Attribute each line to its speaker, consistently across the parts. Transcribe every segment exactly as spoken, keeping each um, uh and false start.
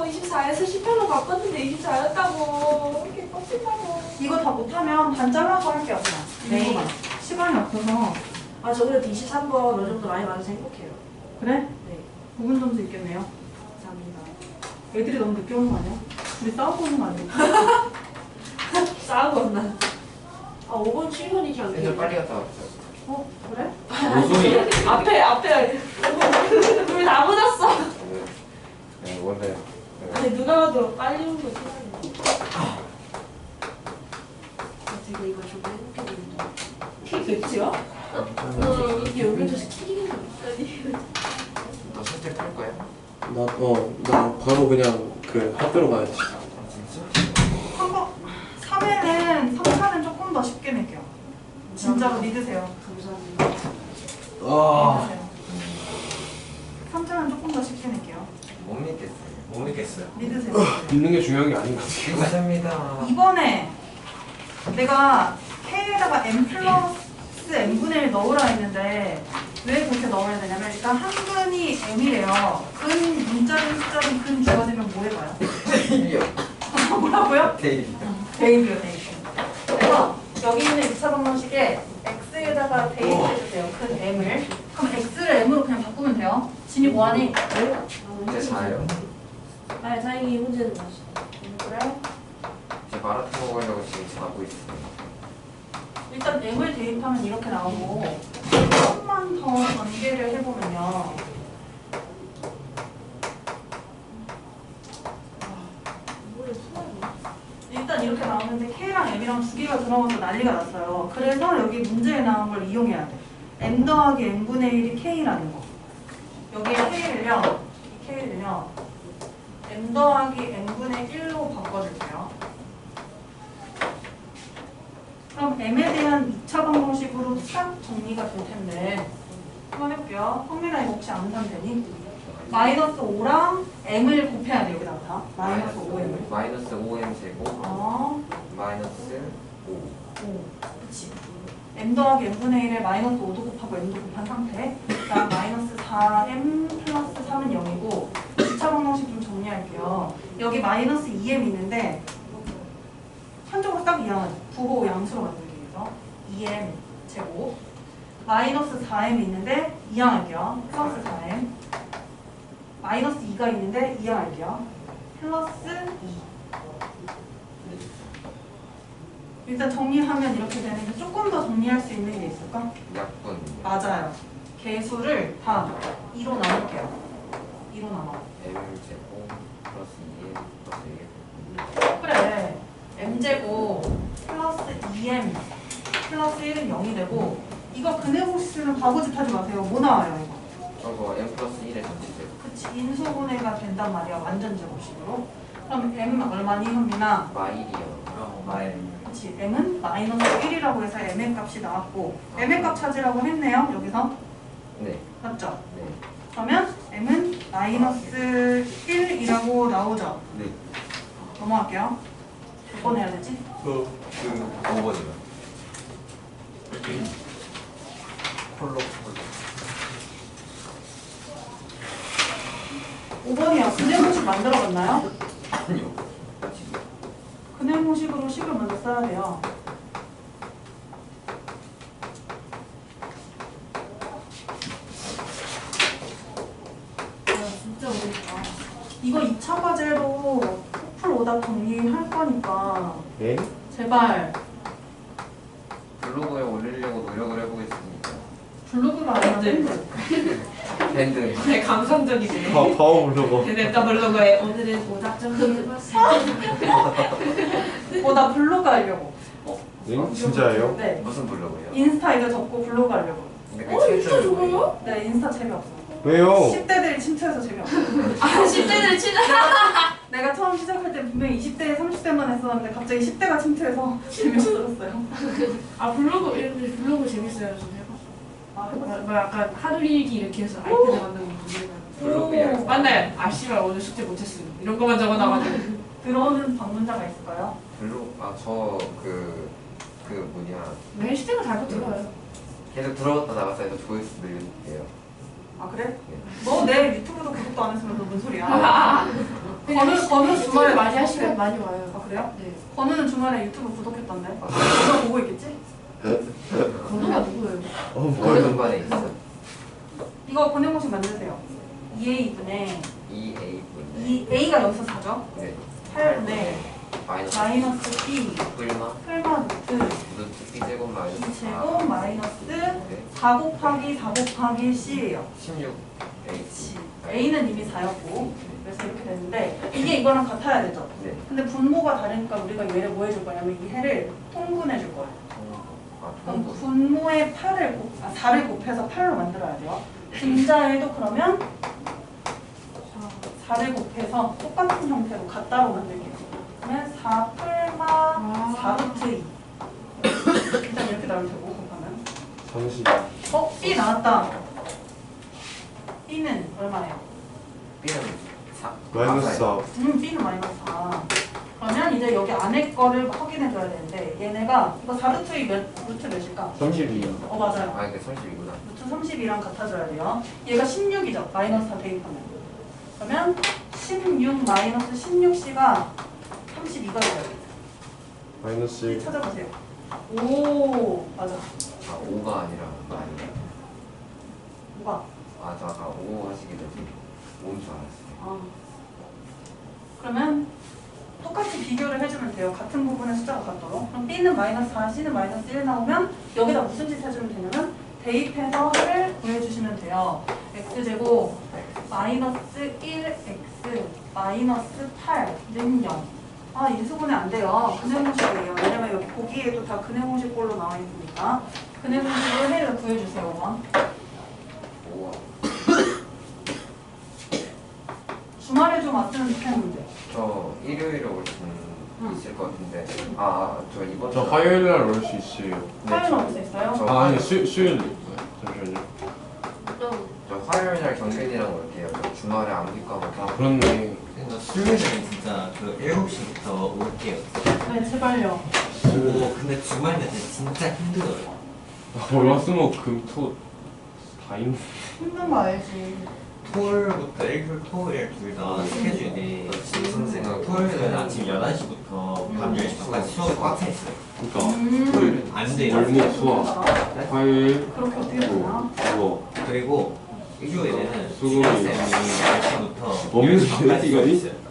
Speaker 1: 저 이십사에서 십팔로 바꿨는데 이십사였다고. 이렇게 빡친다고.
Speaker 2: 이거 다 못하면 반 잘라서 할게요 그냥.
Speaker 1: 네.
Speaker 2: 네. 시간이 없어서.
Speaker 1: 아, 저 그래도 이십삼 번 어느 정도 많이 맞아서 행복해요.
Speaker 2: 그래?
Speaker 1: 네.
Speaker 2: 부분 점수 있겠네요.
Speaker 1: 감사합니다.
Speaker 2: 애들이 너무 늦게 오는 거 아니야? 우리 싸우고 오는 거 아니야?
Speaker 1: 싸우고 왔나? 아, 오 번, 칠 번이지 않나요?
Speaker 3: 진짜 빨리 갔다 왔어요.
Speaker 2: 어? 그래?
Speaker 4: 무슨 소리?
Speaker 1: 앞에, 앞에. 우리 다 묻었어.
Speaker 3: 네, 네 원래 네.
Speaker 1: 아니, 누가 봐도 빨리 온 거 생각나. 아, 되게 이거 좀 행복해 보인다. 키 몇이야? 어, 이게 여기서 키가 아니.
Speaker 3: 너 선택 할 거야?
Speaker 4: 나, 어, 나 바로 그냥 그 학교로 가야지.
Speaker 3: 아 진짜?
Speaker 2: 삼 번, 삼 회는 삼 차는 조금 더 쉽게 낼게요. 진짜로 믿으세요.
Speaker 1: 감사합니다.
Speaker 4: 아,
Speaker 2: 믿으세요. 삼 차는 조금 더 쉽게 낼게요.
Speaker 3: 못 믿겠어요. 못 믿겠어요.
Speaker 2: 믿으세요.
Speaker 4: 믿는 게 중요한 게 아닌 것 같아.
Speaker 3: 감사합니다.
Speaker 2: 이번에 내가 K에다가 M 플러스 N분의 일 넣으라 했는데 왜 그렇게 넣어야 되냐면 일단 한 근이 M이래요. 근 문자는 숫자는 근 주가 되면 뭐 해봐요?
Speaker 3: 데일이요.
Speaker 2: 뭐라고요?
Speaker 3: 데일이요.
Speaker 2: 대입이요, 대입. 그래서 여기 있는 이 차 방정식에 X에다가 대입해주세요. 큰 M을. 그럼 X를 M으로 그냥 바꾸면 돼요. 진이 뭐하니?
Speaker 3: 이제 자요?
Speaker 1: 아니, 다행히 문제는 맞어.
Speaker 2: 그래?
Speaker 3: 이제 마라톤 먹으려고 지금 자고 있어요.
Speaker 2: 일단 M을 대입하면 이렇게 나오고 조금만 더 전개를 해보면요. 일단 이렇게 나오는데 K랑 M이랑 두 개가 들어가서 난리가 났어요. 그래서 여기 문제에 나온 걸 이용해야 돼. M 더하기 N분의 일이 K라는 거. 여기에 K를요. 이 K를요. M 더하기 N분의 일로 바꿔줄게요. 그럼 M에 대한 이 차 방정식으로 싹 정리가 될 텐데 한번 해볼게요. 성민아 이거 혹시 안 사면 되니? 마이너스 오랑 M을 곱해야 돼 여기다가 마이너스 오 M을.
Speaker 3: 마이너스 오 엠 제곱
Speaker 2: 어,
Speaker 3: 마이너스 오.
Speaker 2: 오, 그치. M 더하기 M분의 일에 마이너스 오도 곱하고 M도 곱한 상태. 그다음 마이너스 사 엠 플러스 삼은 영이고 이 차 방정식 좀 정리할게요. 여기 마이너스 이 엠 있는데 한쪽으로 딱 이항하죠. 부호 양수로 만들기 위해서 이 엠 제곱 마이너스 사 엠 있는데 이항할게요. 플러스 사 엠 마이너스 이가 있는데 이항할게요. 플러스 이. 일단 정리하면 이렇게 되는데 조금 더 정리할 수 있는 게 있을까?
Speaker 3: 약분.
Speaker 2: 맞아요. 개수를 다 이로 나눌게요. 이로 나눠.
Speaker 3: M 제곱 플러스 이 엠 플러스 일.
Speaker 2: 그래. m제곱 플러스 이 엠 플러스 일은 영이 되고 이거 근해공식 쓰면 바보짓 하지 마세요. 뭐 나와요 이거?
Speaker 3: 저거 M 플러스 일의 전체 제곱.
Speaker 2: 그치. 인수분해가 된단 말이야. 완전 제곱식으로. 그럼 m 얼마니 현민아?
Speaker 3: 마일이요. 어, 마일.
Speaker 2: 그치. m은 마이너스 일이라고 해서 m의 값이 나왔고 m의 값 찾으라고 했네요. 여기서.
Speaker 3: 네.
Speaker 2: 맞죠?
Speaker 3: 네.
Speaker 2: 그러면 m은 마이너스 일이라고 나오죠.
Speaker 3: 네.
Speaker 2: 넘어갈게요. 몇 번 해야 되지?
Speaker 4: 그,
Speaker 3: 그 오 번이요. 콜로 콜로.
Speaker 2: 오 번이요. 근해공식 만들어봤나요?
Speaker 3: 아니요. 지금.
Speaker 2: 근해공식으로 식을 먼저 써야 돼요. 아, 진짜 어렵다. 이거 이 차 과제로 풀 오답 정리할 거니까
Speaker 4: 네?
Speaker 2: 제발
Speaker 3: 블로그에 올리려고 노력을 해보겠습니다.
Speaker 2: 블로그가 아니라 밴드.
Speaker 3: 밴드.
Speaker 1: 되게 감성적이네.
Speaker 4: 파, 파워 블로거.
Speaker 1: 냈다 블로그에 오늘은 오답 좀 해봤어요.
Speaker 2: 어, 나 블로그 하려고.
Speaker 4: 네? 진짜예요?
Speaker 2: 네.
Speaker 3: 무슨 블로그예요?
Speaker 2: 인스타 이거 접고 블로그 하려고.
Speaker 3: 근데
Speaker 1: 어,
Speaker 3: 그게
Speaker 1: 진짜
Speaker 3: 최초인 거예요?
Speaker 1: 좋아요?
Speaker 2: 네, 인스타 재미없어.
Speaker 4: 왜요?
Speaker 2: 십 대들이 침투해서 재미없어.
Speaker 1: 아, 십 대들 치는.
Speaker 2: 내가 처음 시작할 때 분명히 이십 대, 삼십 대만 했었는데 갑자기 십 대가 침투해서 재미없어졌어요.
Speaker 1: 아, 블로그, 이런데 블로그 재밌어요. 좀 해봤어.
Speaker 2: 아,
Speaker 1: 뭐,
Speaker 2: 해봤어요.
Speaker 1: 뭐 약간 하루 일기 이렇게 해서 아이패드 만드는 거 보면.
Speaker 3: 블로그야.
Speaker 1: 맞나요? 아, 씨발, 오늘 숙제 못했음. 이런 거만 적어놔가지고.
Speaker 2: 들어오는 방문자가 있을까요?
Speaker 3: 블로그 아저 그 그 뭐냐
Speaker 1: 매 시대가 달고 들어요.
Speaker 3: 계속 들어갔다 나갔다 해서 조회수 늘릴게요.
Speaker 2: 아 그래?
Speaker 3: 네.
Speaker 2: 너 내 유튜브도 구독도 안 했으면 너 뭔 소리야? 건우 건우 주말에
Speaker 1: 많이
Speaker 2: 구독해.
Speaker 1: 하시면 많이 와요.
Speaker 2: 아 그래요?
Speaker 1: 네.
Speaker 2: 건우는 주말에 유튜브 구독했던데. 그거 보고 있겠지?
Speaker 1: 건우가 누구예요?
Speaker 4: 어
Speaker 3: 어느
Speaker 4: 뭐야?
Speaker 3: 공간에 있어?
Speaker 2: 이거 권행 공식 만드세요. 이 에이분의
Speaker 3: 이 에이 분.
Speaker 2: 이 A가 여기서 사죠?
Speaker 3: 네.
Speaker 2: 팔분의
Speaker 3: 마이너스
Speaker 2: 마이너스 B
Speaker 3: 뿔마
Speaker 2: 풀마 루트
Speaker 3: 루트 B 제곱 마이너스
Speaker 2: 이 제곱 마이너스
Speaker 3: 네.
Speaker 2: 사 곱하기 사 곱하기 C예요.
Speaker 3: 십육 H.
Speaker 2: A는 이미 사였고 그래서 이렇게 되는데 이게 이거랑 같아야 되죠?
Speaker 3: 네.
Speaker 2: 근데 분모가 다르니까 우리가 얘를 뭐 해줄 거냐면 이 해를 통분해 줄 거예요.
Speaker 3: 아,
Speaker 2: 그럼
Speaker 3: 통분.
Speaker 2: 분모에 팔을 곱, 아, 사를 곱해서 팔로 만들어야 돼요. 분자에도 그러면 사를 곱해서 똑같은 형태로 같다로 만들게요. 그러면 사 풀마
Speaker 1: 아.
Speaker 2: 사 루트 이 일단 이렇게 나올 테고 곱하면
Speaker 4: 삼십.
Speaker 2: 어? B 나왔다. B는 얼마예요?
Speaker 3: B는 사.
Speaker 4: 마이너스 사.
Speaker 2: 음, B는 마이너스 사. 그러면 이제 여기 안에 거를 확인해 줘야 되는데 얘네가 이거 사 루트 이 몇, 루트 몇일까?
Speaker 4: 삼십이.
Speaker 2: 어 맞아요.
Speaker 3: 아 이게 삼십이구나.
Speaker 2: 루트 삼십이랑 같아져야 돼요. 얘가 십육이죠. 마이너스 사 대입하면. 그러면 십육 마이너스 십육 C가 삼십이가 돼요.
Speaker 4: 마이너스 일.
Speaker 2: 찾아보세요. 오 맞아.
Speaker 3: 아 오가 아니라 마이너스.
Speaker 2: 뭐가?
Speaker 3: 아 저 아까 오 하시길래 오인 줄 알았어요.
Speaker 2: 아. 그러면 똑같이 비교를 해주면 돼요. 같은 부분의 숫자가 같도록. 그럼 B는 마이너스 사, C는 마이너스 일 나오면 여기다 무슨 짓 해주면 되냐면 대입해서 를 구해주시면 돼요. x제곱 마이너스 일 x 마이너스 팔는 영. 아 인수분해 안 돼요. 근해공식이에요. 왜냐면 여기 보기에도 다 근해공식꼴로 나와 있으니까 근해공식을 해를 구해주세요. 오번.
Speaker 3: 오와.
Speaker 2: 주말에 좀 왔으면 좋겠는데.
Speaker 3: 저 일요일에 올 수
Speaker 2: 응.
Speaker 3: 있을 것 같은데. 아저 이번
Speaker 4: 저
Speaker 3: 주-
Speaker 4: 화요일 날 올 수 있어요.
Speaker 3: 네,
Speaker 2: 화요일
Speaker 3: 저-
Speaker 2: 올수 있어요?
Speaker 3: 저
Speaker 4: 아 아니
Speaker 3: 화요일-
Speaker 4: 수 수요일. 잠시만요.
Speaker 3: 저 화요일 날 경빈이랑 올게요. 저 주말에 암기과목
Speaker 4: 아 그렇네.
Speaker 5: 나 수요일에 진짜 그 일곱 시부터 올게요.
Speaker 2: 네 제발요.
Speaker 5: 오, 근데 주말 내내 진짜 힘들어요.
Speaker 4: 아, 월화수목금토 다 있네.
Speaker 2: 힘든 거 알지.
Speaker 5: 토요일부터 일요일, 토요일 둘 다 스케줄이
Speaker 3: 무슨 생각?
Speaker 5: 토요일은 아침 열한 시부터 밤 열 시까지 수업이 꽉 차 있어요.
Speaker 4: 그러니까
Speaker 2: 음.
Speaker 5: 토요일은 안 돼요.
Speaker 4: 월목 수화 화요일
Speaker 2: 그렇게 어떻게 되나?
Speaker 4: 수어.
Speaker 5: 그리고 일요일에는
Speaker 4: 수고이.
Speaker 5: 수고쌤이 열 시부터
Speaker 4: 먹는
Speaker 5: 열 시 반까지
Speaker 4: 시간이?
Speaker 5: 수업이 있어요.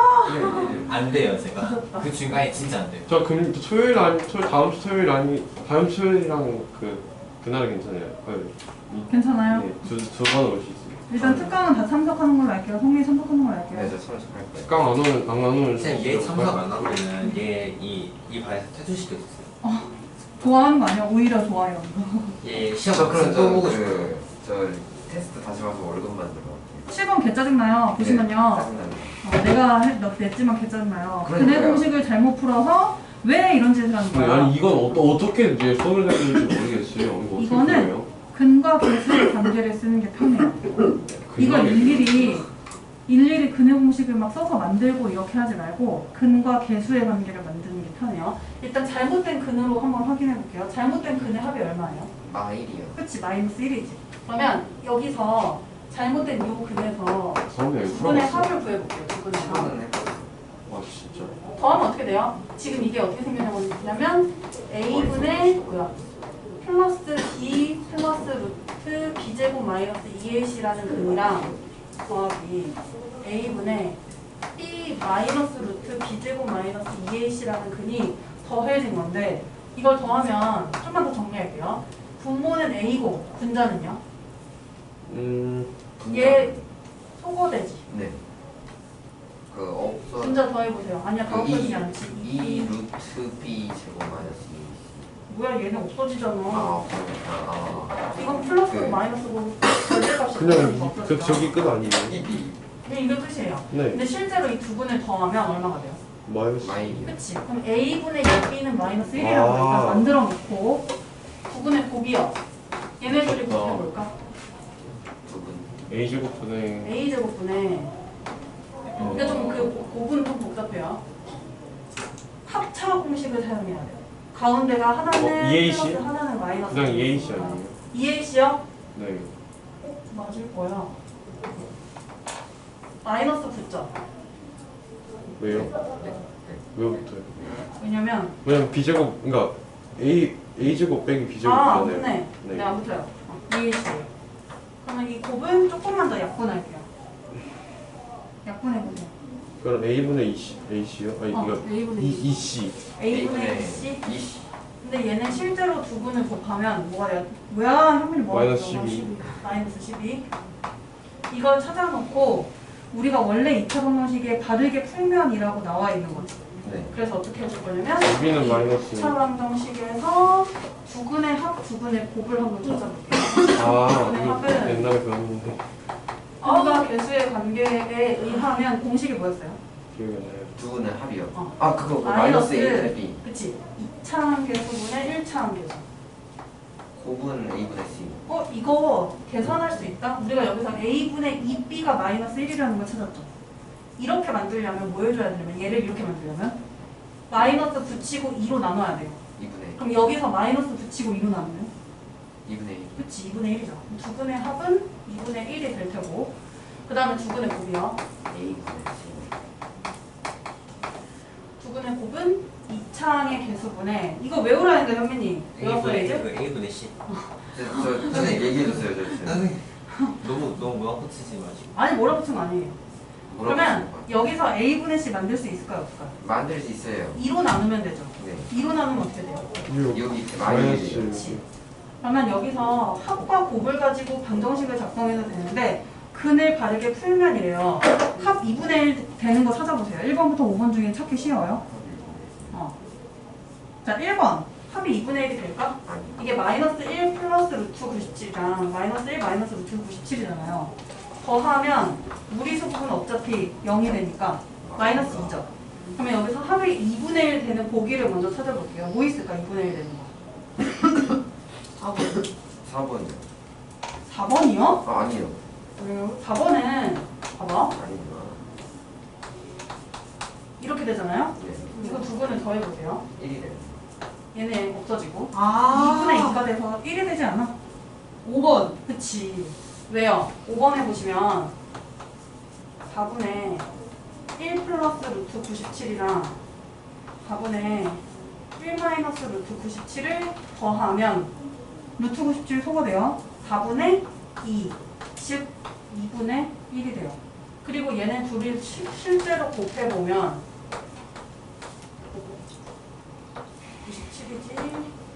Speaker 5: 안 돼요, 제가. 그 중간에 진짜 안 돼요.
Speaker 4: 저 금 토요일 아니 토 다음 주 토요일 아니 다음 주 토요일이랑 그 그날은 괜찮아요. 화요일.
Speaker 2: 괜찮아요?
Speaker 4: 네, 두두번 올 수 있어요.
Speaker 2: 일단 특강은 다 참석하는 걸로 할게요. 성민이 참석하는 걸로 할게요.
Speaker 3: 네, 저 참석할 거예요.
Speaker 4: 특강 안 오면 안 오면
Speaker 5: 쌤, 얘 참석 안 하면은 얘이 이 반에서 퇴출시켜줬어요.
Speaker 2: 좋아하는 거 아니야? 오히려 좋아요.
Speaker 5: 얘
Speaker 3: 저
Speaker 5: 시험
Speaker 3: 그럼
Speaker 5: 또 보고
Speaker 3: 저,
Speaker 5: 싶어요.
Speaker 3: 그, 저 테스트 다시 봐서 월급만 들어.
Speaker 2: 칠 번 개 짜증나요. 보시면요. 어, 내가 해- 너 냈지만 개 짜증나요. 근해
Speaker 3: 그러니까요.
Speaker 2: 공식을 잘못 풀어서 왜 이런 짓을 하는
Speaker 4: 네,
Speaker 2: 거야?
Speaker 4: 아니 이건 어, 어떻게 이제 수업을 해야 될지 모르겠어요. 이거 어떻게
Speaker 2: 이거는
Speaker 4: 풀어요?
Speaker 2: 근과 계수의 관계를 쓰는 게 편해요. 이걸
Speaker 4: 근거에
Speaker 2: 일일이 일일이 근해 공식을 막 써서 만들고 이렇게 하지 말고 근과 계수의 관계를 만드는 게 편해요. 일단 잘못된 근으로 한번 확인해 볼게요. 잘못된 근의 합이 얼마예요?
Speaker 3: 마일이요.
Speaker 2: 그치, 마이너스 일이지. 그러면 여기서 잘못된 요 근에서
Speaker 4: 성분이
Speaker 2: 두 분의
Speaker 4: 풀어봤어.
Speaker 2: 합을 구해볼게요. 두 분의 합.
Speaker 3: 시간은 해봤어.
Speaker 4: 와 진짜.
Speaker 2: 더하면 어떻게 돼요? 지금 이게 어떻게 생겨냐면 a분의 뭐야? 플러스 b 플러스 루트 b제곱 마이너스 이 에이씨라는 근이랑 더하기 a분의 b 마이너스 루트 b제곱 마이너스 이 에이씨라는 근이 더해진 건데 이걸 더하면 좀만 더 정리할게요. 분모는 a고 분자는요?
Speaker 4: 음.
Speaker 2: 얘 소거되지.
Speaker 3: 네. 그 없어.
Speaker 2: 분자 더해보세요. 아니야 다
Speaker 3: 그
Speaker 2: 없어지지
Speaker 3: 이-
Speaker 2: 않지.
Speaker 3: 이 루트 b 제곱 마이너스 이.
Speaker 2: 뭐야 얘는 없어지잖아.
Speaker 3: 아, 그러니까 아.
Speaker 2: 이건 플러스고
Speaker 3: 네.
Speaker 2: 마이너스고 절대값이
Speaker 4: 그냥
Speaker 2: 없어지죠.
Speaker 4: 그 저기 끝 아니에요?
Speaker 2: 네, 이게 끝이에요.
Speaker 4: 네.
Speaker 2: 근데 실제로 이 두 분을 더하면 얼마가 돼요?
Speaker 4: 마이너스.
Speaker 3: 마일이요.
Speaker 2: 그치? 그럼 a분의 b는 마이너스 일이라고
Speaker 4: 아.
Speaker 2: 일단 만들어 놓고 두 분의 곱이요. 얘네들이
Speaker 4: 좋다.
Speaker 2: 곱해볼까?
Speaker 3: 두 분.
Speaker 4: A 제곱분의
Speaker 2: a제곱분의
Speaker 4: 어.
Speaker 2: 이게 좀그 곱은 좀 복잡해요. 합차 공식을 사용해야 돼요. 가운데가 하나는
Speaker 4: 어, 이 에이씨?
Speaker 2: 플러스 하나는 마이너스.
Speaker 4: 그냥 이 에이씨 아니에요?
Speaker 2: 이 에이씨요?
Speaker 4: 네.
Speaker 2: 어, 맞을 거야. 마이너스 구 점.
Speaker 4: 왜요?
Speaker 3: 네.
Speaker 4: 왜부터요?
Speaker 2: 왜냐면
Speaker 4: 왜냐면 b제곱 그러니까 a a제곱 빼기
Speaker 2: 아
Speaker 4: b제곱이잖아요.
Speaker 2: 맞네. 네,
Speaker 4: 네.
Speaker 2: 안 붙어요. 이해했어요. 그러면 이 곱은 조금만 더 약분할게요. 약분해보세요.
Speaker 4: 그럼 a분의 이씨 ac요? 아니
Speaker 2: 어,
Speaker 4: 이거
Speaker 1: A분의
Speaker 4: 이
Speaker 1: 이.
Speaker 4: 이씨
Speaker 2: a분의 이씨.
Speaker 3: 이씨.
Speaker 2: 근데 얘는 실제로 두 분을 곱하면 뭐가 돼요? 뭐야? 현민이 뭐가
Speaker 4: 마이너스
Speaker 2: 돼요?
Speaker 4: 십이.
Speaker 2: 마이너스 십이. 이걸 찾아놓고 우리가 원래 이 차 방정식에 바르게 풀면이라고 나와 있는 거지.
Speaker 3: 네.
Speaker 2: 그래서 어떻게 해줄 거냐면
Speaker 4: 여기는 마이너스
Speaker 2: 이 차 방정식에서 두근의 합, 두근의 곱을 한번 찾아볼게요.
Speaker 4: 아
Speaker 2: 네,
Speaker 4: 이거
Speaker 2: 합은-
Speaker 4: 옛날에 배웠는데
Speaker 2: 합과 개수의 관계에 의하면 공식이 뭐였어요?
Speaker 4: 기억이 안 나요.
Speaker 3: 두 분은 합이요.
Speaker 2: 어.
Speaker 3: 아 그거 그 마이너스 A 분의 B.
Speaker 2: 그치? 이 차 함계수분의 일 차 함계수.
Speaker 3: 곱은 A분의 C.
Speaker 2: 어? 이거 계산할 수 있다? 우리가 여기서 A분의 이 B가 마이너스 일이라는 걸 찾았죠. 이렇게 만들려면 뭐 해줘야 되냐면 얘를 이렇게 만들려면 마이너스 붙이고 이로 나눠야 돼요.
Speaker 3: 이분의
Speaker 2: 그럼 여기서 마이너스 붙이고 이로 나누면
Speaker 3: 이분의 일.
Speaker 2: 그치 이분의 일이죠. 두 분의 합은 이분의 일이 될 테고 그 다음에 두 분의 곱이요.
Speaker 3: A분의 C.
Speaker 2: 두 분의 곱은 이 차항의 개수분의 이거 외우라는데 현민이 외웠어요
Speaker 5: A분의
Speaker 2: 이제?
Speaker 5: 그 A분의 C.
Speaker 3: 저, 저 선생님 얘기해줬어요, 저 지금.
Speaker 5: 선생님 너무 너무 뭐라고 치지 마시고.
Speaker 2: 아니 뭐라 붙은 거 아니에요.
Speaker 3: 뭐라고
Speaker 2: 그러면
Speaker 3: 했습니까?
Speaker 2: 여기서 A분의 C 만들 수 있을까요 없을까요?
Speaker 3: 만들 수 있어요.
Speaker 2: 이로 나누면 되죠.
Speaker 3: 네.
Speaker 2: 이로 나누면 어떻게 돼요?
Speaker 4: 육
Speaker 3: 여기 이렇게 마이너스.
Speaker 4: 마이너스
Speaker 2: 그러면 여기서 합과 곱을 가지고 방정식을 작성해도 되는데 근을 바르게 풀면이래요. 합 이분의 일 되는 거 찾아보세요. 일 번부터 오 번 중에 찾기 쉬워요. 어. 자, 일 번. 합이 이분의 일이 될까?
Speaker 3: 아니.
Speaker 2: 이게 마이너스 일 플러스 루트 구십칠이랑 마이너스 일 마이너스 루트 구십칠이잖아요. 더하면 무리수 부분은 어차피 영이 되니까 마이너스 이죠. 그러면 여기서 합이 이분의 일 되는 보기를 먼저 찾아볼게요. 뭐 있을까? 이분의 일 되는 거. 사 번.
Speaker 3: 사 번이요.
Speaker 2: 사 번이요?
Speaker 3: 아, 아니요.
Speaker 2: 왜요? 사 번은 봐봐.
Speaker 3: 아니구나.
Speaker 2: 이렇게 되잖아요.
Speaker 3: 네.
Speaker 2: 이거 두 분을 더해보세요.
Speaker 3: 일이 돼요.
Speaker 2: 얘네 없어지고
Speaker 1: 아.
Speaker 2: 이분의 이가 돼서 일이 되지 않아? 오 번. 그치. 왜요? 오 번에 보시면 사분의 일 플러스 루트 구십칠이랑 사분의 일 마이너스 루트 구십칠을 더하면 루트 구십칠 소거돼요. 사분의 이, 즉 이분의 일이 돼요. 그리고 얘네 둘이 시, 실제로 곱해보면 구십칠이지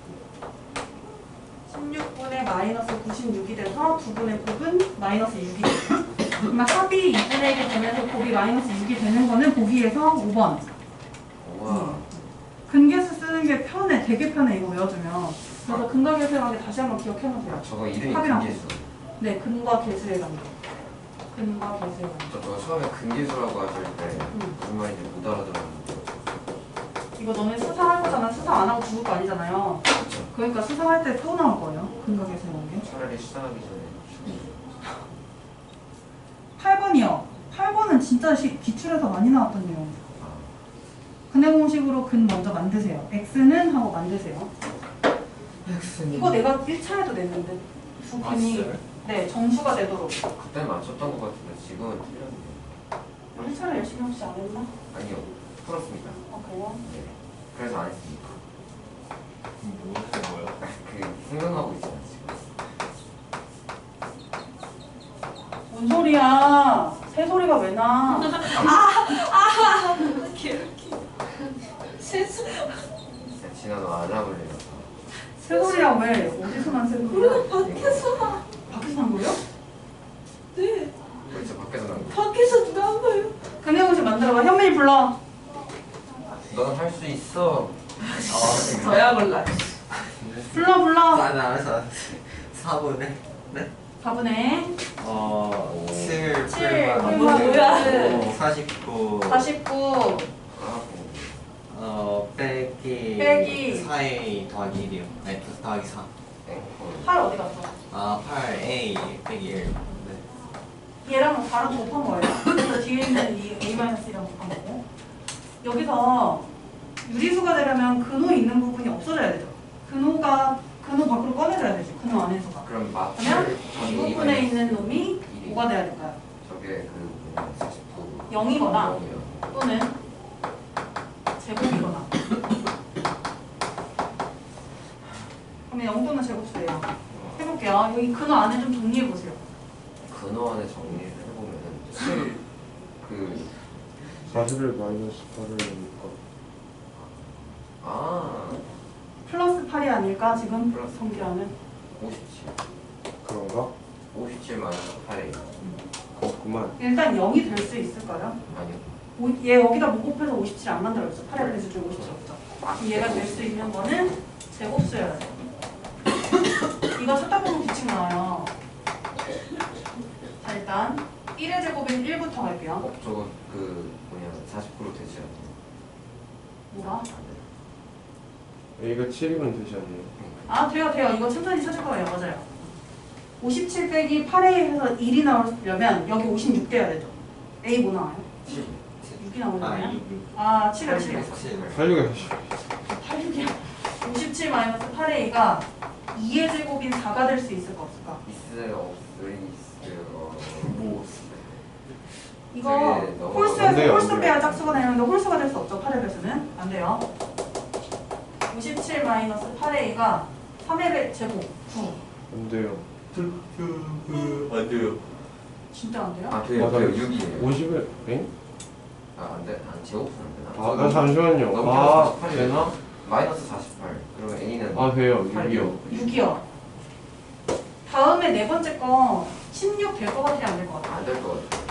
Speaker 2: 십육 분의 마이너스 구십육이 돼서 두 분의 곱은 마이너스 육이 돼요. 그러면 합이 이분의 일이 되면서 곱이 마이너스 육이 되는 거는 보기에서 오 번.
Speaker 3: 우와.
Speaker 2: 근계수 쓰는 게 편해. 되게 편해. 이거 외워주면. 그래서 근과 계수의 관계 다시 한번 기억해놓으세요.
Speaker 3: 아, 저거 이름이
Speaker 2: 합이랑
Speaker 3: 근계수.
Speaker 2: 네, 근과 계수의 관계. 근과 계수의 관계.
Speaker 3: 저, 저 처음에 근계수라고 하실 때
Speaker 2: 음.
Speaker 3: 무슨 말인지 못 알아들었는데.
Speaker 2: 이거 너네 수사할 거잖아. 수사 안 하고 죽을 거 아니잖아요.
Speaker 3: 그렇죠.
Speaker 2: 그러니까 수사할 때 또 나올 거예요. 근과 계수의 관계.
Speaker 3: 차라리 수상하기 전에.
Speaker 2: 팔 번이요. 팔 번은 진짜 시, 기출에서 많이 나왔던 내용.
Speaker 3: 아,
Speaker 2: 근해 공식으로 근 먼저 만드세요. x는 하고 만드세요. 이거 내가 일 차에도 냈는데 두
Speaker 5: 아,
Speaker 2: 분이
Speaker 5: 진짜요?
Speaker 2: 네 정수가 되도록.
Speaker 3: 그때 맞췄던 것 같은데 지금은 틀렸네요.
Speaker 2: 일 차를 열심히 혹시 안 했나?
Speaker 3: 아니요. 풀었습니다.
Speaker 2: 어 그래요?
Speaker 3: 네. 그래서 안 했습니다.
Speaker 5: 뭐 하는 거야?
Speaker 3: 그 생각하고 있어요 지금.
Speaker 2: 뭔 소리야? 새 소리가 왜 나?
Speaker 1: 실수.
Speaker 3: 진짜 지난 후 알람을 내려서.
Speaker 2: 새 소리야 왜? 어디서 난 새 소리야?
Speaker 1: 밖에서.
Speaker 2: 밖에서 난 거예요?
Speaker 1: 네.
Speaker 3: 그렇죠. 밖에서 난 거.
Speaker 1: 밖에서 누가 한 거예요?
Speaker 2: 근해 공식 만들어봐. 현민이 불러.
Speaker 3: 넌 할 수 있어. 아,
Speaker 1: 저야 몰라.
Speaker 2: 불러 불러.
Speaker 5: 아, 나 알았어. 사 분의 네?
Speaker 2: 사분의
Speaker 5: 어, 칠
Speaker 2: 칠,
Speaker 5: 풀만
Speaker 2: 풀만
Speaker 1: 뭐야?
Speaker 5: 사십구
Speaker 2: 사십구
Speaker 3: 하고
Speaker 5: 어, 빼기
Speaker 2: 빼기
Speaker 5: 사에 더하기 일이요. 아니, 플러스 더하기 사.
Speaker 3: 앵콜.
Speaker 2: 팔 어디 갔어?
Speaker 5: 아, 팔 A 빼기 일. 네.
Speaker 2: 얘랑 다른 곱한 거예요. 그래서 뒤에 있는 이 A-1이랑 곱한 거고. 여기서 유리수가 되려면 근호 있는 부분이 없어져야 되죠. 근호가 근호 밖으로 꺼내줘야 되지. 근호 안에서가.
Speaker 3: 그럼 마트
Speaker 2: 그러면 이 부분에 있는 놈이 뭐가 돼야 될까요?
Speaker 3: 저게 그 사십구.
Speaker 2: 영이거나
Speaker 3: 영이요.
Speaker 2: 또는 제곱이거나. 그러면 영도는 제곱수예요. 해볼게요. 여기 근호 안에 좀 정리해 보세요.
Speaker 3: 근호 안에 정리를 해보면은 칠, 그
Speaker 4: 사십일 마이너스 팔을 하니까
Speaker 3: 아
Speaker 2: 플러스 팔이 아닐까 지금
Speaker 3: 플러스.
Speaker 2: 성기하는.
Speaker 3: 오십칠
Speaker 4: 그런가?
Speaker 3: 오십칠 마이너스 팔에
Speaker 4: 그렇구만.
Speaker 2: 일단 영이 될 수 있을까요?
Speaker 3: 아니요.
Speaker 2: 오, 얘 여기다 못 곱해서 오십칠 안 만들어졌죠. 팔의 배수 중 오십칠 없죠. 그럼 얘가 될 수 있는 거는 제곱수여야 돼요. 이거 찾다 보면 규칙 나와요. 자 일단 일의 제곱인 일부터 갈게요.
Speaker 3: 어, 저거 그 뭐냐 사십 퍼센트 되지 않나요?
Speaker 2: 뭐가?
Speaker 3: 안 돼요.
Speaker 4: A가 칠이면 되지 않나요?
Speaker 2: 아 돼요 돼요. 이거 천천히 찾을 거예요. 맞아요. 오십칠 빼기 팔 에이 해서 일이 나오려면 여기 오십육 돼야 되죠. A 뭐 나와요?
Speaker 3: 칠.
Speaker 2: 육이
Speaker 5: 아,
Speaker 2: 나오잖아요.
Speaker 5: 이, 이.
Speaker 2: 아 칠이요 칠이요.
Speaker 4: 팔육에 사십.
Speaker 2: 팔 육이요. 오십칠 마이너스 팔 에이가 이의 제곱인 사가 될 수 있을까 없을까?
Speaker 3: 있어요 없어요 있어요 뭐
Speaker 2: 이거
Speaker 3: 네, 너무-
Speaker 4: 안
Speaker 2: 홀수에서
Speaker 4: 돼요,
Speaker 2: 홀수
Speaker 4: 안
Speaker 2: 빼야
Speaker 4: 돼요.
Speaker 2: 짝수가 되는데 홀수가 될 수 없죠. 팔의 배수는 안 돼요. 오십칠 마이너스 팔 에이가 삼의 배 제곱 구.
Speaker 4: 안 돼요.
Speaker 5: 안 돼요.
Speaker 2: 진짜 안 돼요?
Speaker 3: 아 돼요
Speaker 4: 맞아요.
Speaker 3: 돼요 육이에요.
Speaker 4: 오십일 엥?
Speaker 3: 아 안돼 안 제곱은 안 되나?
Speaker 4: 아, 아 잠시만요.
Speaker 3: 너무
Speaker 4: 아
Speaker 3: 사십팔이에요.
Speaker 4: 되나?
Speaker 3: 마이너스 사십팔 그러면 A는
Speaker 4: 아 돼요.
Speaker 3: 팔이요.
Speaker 4: 육이요.
Speaker 2: 육이요. 다음에 네 번째 거 십육 될 것 같아요? 안 될 것 같아요?
Speaker 3: 안될 것 같아요.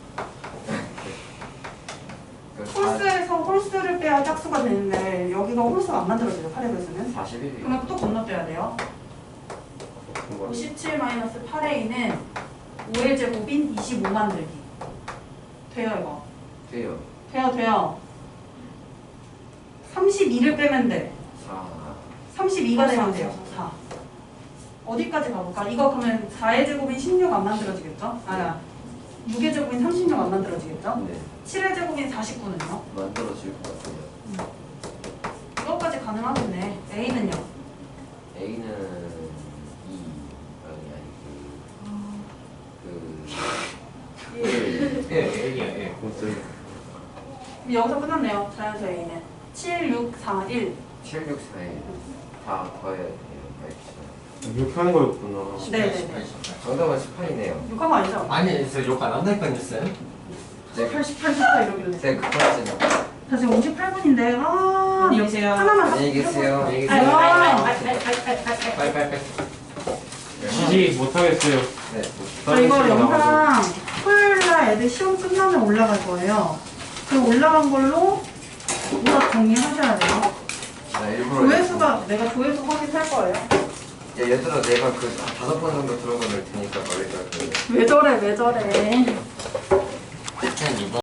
Speaker 3: 그 사-
Speaker 2: 홀수에서 홀수를 빼야 짝수가 되는데 여기가 홀수가 안 만들어져요. 팔의 배수는.
Speaker 3: 사십일이요.
Speaker 2: 그러면 또 건너뛰어야 돼요.
Speaker 4: 그렇구만.
Speaker 2: 오십칠 마이너스 팔 에이는 오의 제곱인 이십오 만들기. 돼요 이거.
Speaker 3: 돼요.
Speaker 2: 돼요 돼요. 삼십이를 빼면 돼.
Speaker 3: 사
Speaker 2: 삼십이가 되면 돼요. 사. 어디까지 가볼까? 이거 그러면 사의 제곱인 십육 안 만들어지겠죠? 아니야. 육의 제곱인 삼십육 안 만들어지겠죠?
Speaker 3: 네
Speaker 2: 칠의 제곱인 사십구는요?
Speaker 3: 만들어질 것 같아요.
Speaker 2: 이것까지 가능하겠네. A는요?
Speaker 3: A는 이 아니 아니 그 그
Speaker 5: 예, A야, 예.
Speaker 4: 어때요?
Speaker 2: 그럼 여기서 끝났네요. 자연수 A는 칠, 육, 사, 일.
Speaker 3: 칠, 육, 사, 일 다 더해야 돼요. 알겠어요.
Speaker 4: 이렇게 하는 거였구나.
Speaker 2: 네네네.
Speaker 3: 정답은 십팔이네요.
Speaker 2: 육한 거 아니죠?
Speaker 5: 아니, 저 욕 안 한다니까 했어요.
Speaker 2: 십팔, 십팔, 십팔 이러길래.
Speaker 3: 네, 그거까지는.
Speaker 2: 자 지금 오십팔 분인데 아
Speaker 1: 안녕히 계세요.
Speaker 2: 하나만
Speaker 3: 안녕히 계세요. 안녕히
Speaker 2: 아이고.
Speaker 3: 계세요.
Speaker 5: 빨리, 빨리, 빨리.
Speaker 4: 지지 못하겠어요.
Speaker 3: 네.
Speaker 2: 저 이거 영상 토요일날 애들 시험 끝나면 올라갈 거예요. 그 올라간 걸로 오답 정리하셔야 돼요.
Speaker 3: 나 일부러.
Speaker 2: 조회수가 내가 조회수 확인할 거예요.
Speaker 3: 야, 얘들아, 내가 그 다섯 번 정도 들어가 놓을 테니까 말해줄 거예요.
Speaker 2: 왜 저래 왜 저래.